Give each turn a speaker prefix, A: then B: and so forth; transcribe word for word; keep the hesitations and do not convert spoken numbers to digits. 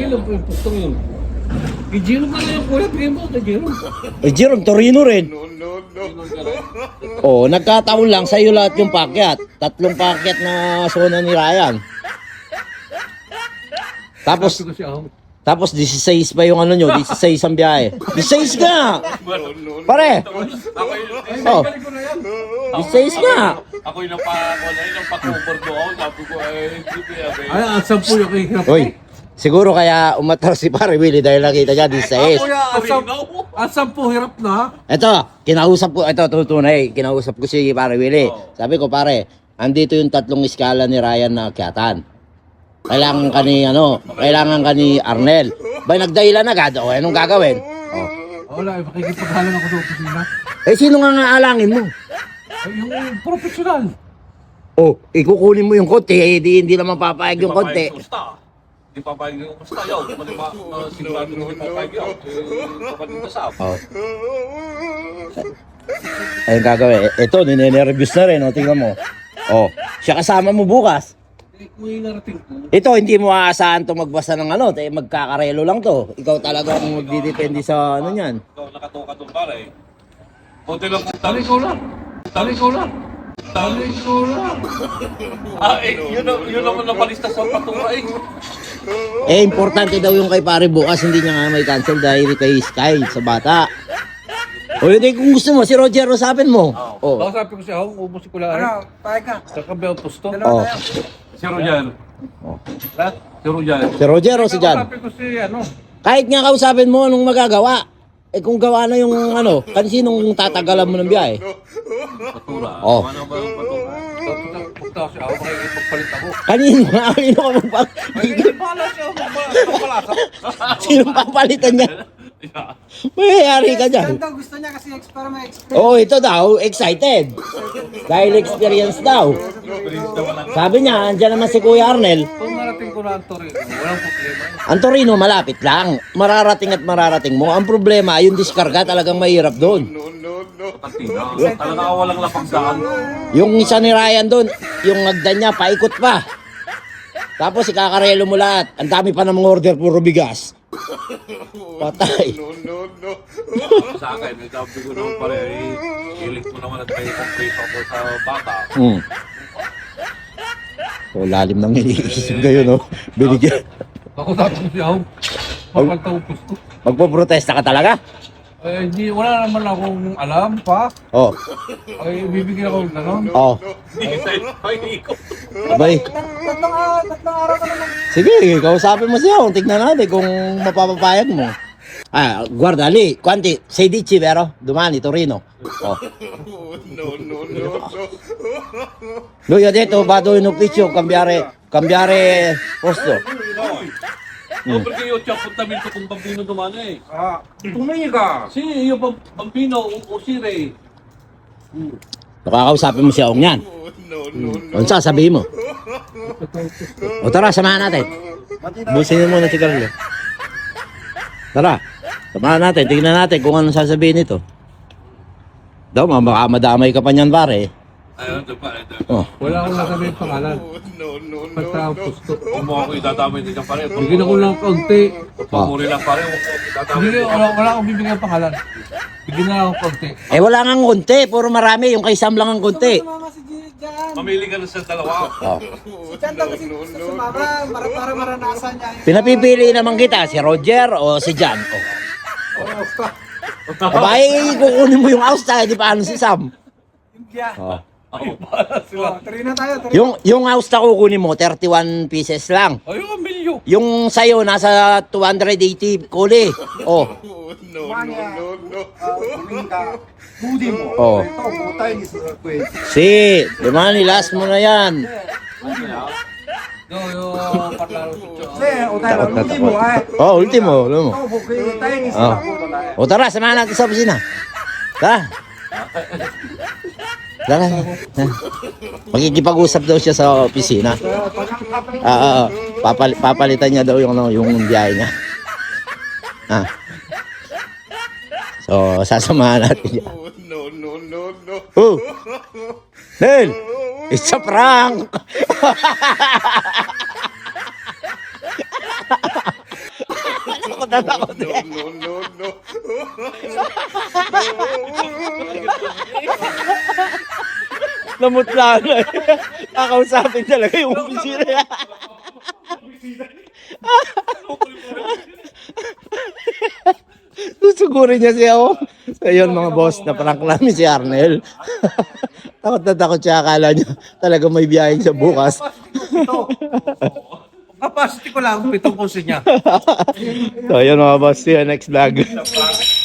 A: lang po yung pustong yun. Kay Jerome na lang yung kuya, bigyan mo kay Jerome.
B: Eh, Jerome, Torino rin. Oh, nagkataon lang sa'yo lahat yung pakyat. Tatlong pakyat na zona ni Ryan. Tapos,
A: Sabi ko siya, oh,
B: tapos sixteen pa yung ano nyo, sixteen ang biyahe. sixteen nga! Pare! Oh,
A: balik ko na yan.
B: sixteen nga!
C: Ako yung napa, wala yung napa-cover doon. Sabi ko, eh, hindi ko yabe.
A: Ay, at sampu yung kahirap.
B: Hoy, siguro kaya umatar si Pare Willie dahil nakita niya sixteen.
A: Kuya, at sampu, at sampu hirap na.
B: Ito, kinausap ko, ito tutunay, kinausap ko si Pare Willie. Sabi ko, pare, andito yung tatlong iskala ni Ryan na akyatan. Kailangan ka ni, ano, kailangan ka ni Arnel. Bay, nagdahilan agad, o, anong gagawin? Oh.
A: Wala, eh, makikipaghalan ako sa opisina.
B: Eh, sino nga nga alangin mo?
A: Ay, yung professional.
B: Oh, ikukunin mo yung konti, eh, di, hindi naman papayag yung konti.
C: Hindi papayag yung kusta. Yaw, mali ma, sigurado na hindi papayag yaw. Eh, kapatid na sa
B: Oh. Ayun gagawin. Eh, ito, ninenervyos na rin, o, tingnan mo. Oh, siya kasama mo bukas.
A: Eh, kung yung narating ko,
B: Ito, hindi mo aasahan to magbasa ng ano, eh, magkakarelo lang to. Ikaw talaga ang magdidepende sa ano niyan.
C: ikaw nakatoka doon pare. Konti lang kung
A: tali
C: tali.
A: ko lang. Tali ko lang. Tali ko lang.
C: Ah, eh, yun, ang- yun naman napalista sa patura eh.
B: Eh, importante daw yung kay pare bukas, hindi niya nga may cancel dahil kay Sky sa bata. O yun, eh, kung gusto mo, si Roger, usapin mo. Oh.
A: Baka sabi ko siya, oh, ubos ko lang.
D: Ano, pahay ka.
A: Sa kabilang pusto.
B: Oh.
C: Si Rojan.
B: Oh.
C: Ha? Si Rojan.
B: Si Roger o si Jan?
A: Sabi ko si, ano,
B: Kahit nga kausapin mo, anong magagawa? Eh kung gawa na yung ano, kansinong tatagalan mo ng biyahe?
C: Patura.
B: Oh.
C: Ano ba yung patura?
A: punta, punta siya, ako makikipagpalit ako.
B: Kanino nga, kanino ka magpag...
A: Ay, hindi pala siya, magpapalasa.
B: Sinong papalitan niya? Mayayari ka dyan.
D: Ganda, gusto niya kasi explore may experience.
B: Oo, oh, ito daw, excited. Dahil experience daw. Sabi niya, andyan naman si Kuya Arnel.
A: Kung narating ko na ang Torino, walang problema.
B: Ang Torino, malapit lang. Mararating at mararating mo. Ang problema, yung diskarga talagang mahirap doon.
C: Patina. Talaga walang lapagdaan.
B: Yung isa ni Ryan doon, yung nagdan niya, paikot pa. Tapos ikakarelo mo lahat. Ang dami pa ng mga order, puro bigas. Patay.
C: Sa akin, may sabi ko naman pare, eh, ilik mo naman at may complete ako sa bata.
B: Hmm. So, lalim ng iniisip kayo, no? Binigyan.
A: Ako sabi ko siya, oh, papagtaupos ko.
B: Magpo-protesta ka talaga?
A: Eh, hindi, wala naman akong alam pa.
B: Oh,
A: Ay, bibigyan ako ng gano'n.
B: oh.
C: Hindi sa'yo, ay, ikaw.
B: Abay.
D: Tatlong, ah, tatlong araw ka naman.
B: Sige, kausapin mo siya. Tignan natin kung mapapapayag mo. Ah, guarda lì, quanti? sedici, vero? Domani, Torino. Oh. Lui ha detto vado in ufficio, cambiare, cambiare posto.
C: Oh, perché io ci ho appuntamento con bambino domani.
A: Ah, tumiga.
C: Sì, io ba- bambino usire.
B: Nakakausapin mo siya kung yan. Ano sasabihin mo? O tara, samahan natin. Busin mo na si Carlo. Tara, samahan natin. Tingnan natin kung anong sasabihin nito. Daw, baka madamay ka pa niyan, pare.
C: Ayun, ito pa, ito.
B: Oh.
A: Wala akong nasabihin pangalan. Pagtaupos ko.
C: Kung mo ako idadamay din ng pare.
A: Bigyan ako ng kaunti.
C: Pagmuri lang pare, huwag ko idadamay.
A: Bigyan, wala, wala akong bibigyan ng pangalan. Bigyan na ako ng kaunti.
B: Eh, wala nga konti. Puro marami. Yung kay Sam lang ang konti.
D: Sumama si G- Jan.
C: Mamili ka na sa dalawa.
B: Oh.
D: Si Jan daw kasi gusto sumama para, para maranasan niya. yung-
B: Pinapipili naman kita, si Roger o si Jan. Oh. Abay, kukunin mo yung Austa, di paano si Sam?
D: India.
B: Oh.
C: Ako.
D: Oh, Torino tayo, Torino.
B: Yung, yung Austa kukunin mo, thirty-one pieces lang.
C: Ayun, ang milyo.
B: Yung sayo, nasa two hundred eighty kuli. Oh.
D: Mania. Ah, Dominga. Budi mo.
B: Oh.
D: Ito, butay ni Sir Queen.
B: Si, di ba, nilas mo na yan.
A: Yo, yo, parlaro ko.
D: Kasi, utay lang, budi mo ay.
B: Oh, ultimo. Alam mo.
D: Ito, butay ni Sir
B: Oh.
D: Queen.
B: O tara, samahan natin sa opisina. Tara. Tara. Magkikipag-usap daw siya sa opisina. Ah, ah, papal papalitan niya daw yung ano, yung biyahe niya. Ah. So, sasamahan natin siya. Oh. Nel, it's a prank. Takot na takot eh. Namutla na eh. Kakausapin talaga yung opisina. Susugurin niya siya oh. So yun mga boss, na-prank namin si Arnel. Takot na takot siya, akala niya talaga may biyahe siya bukas.
A: Capacity ko lang, pitong kusin niya.
B: So yun mga boss, see you next vlog.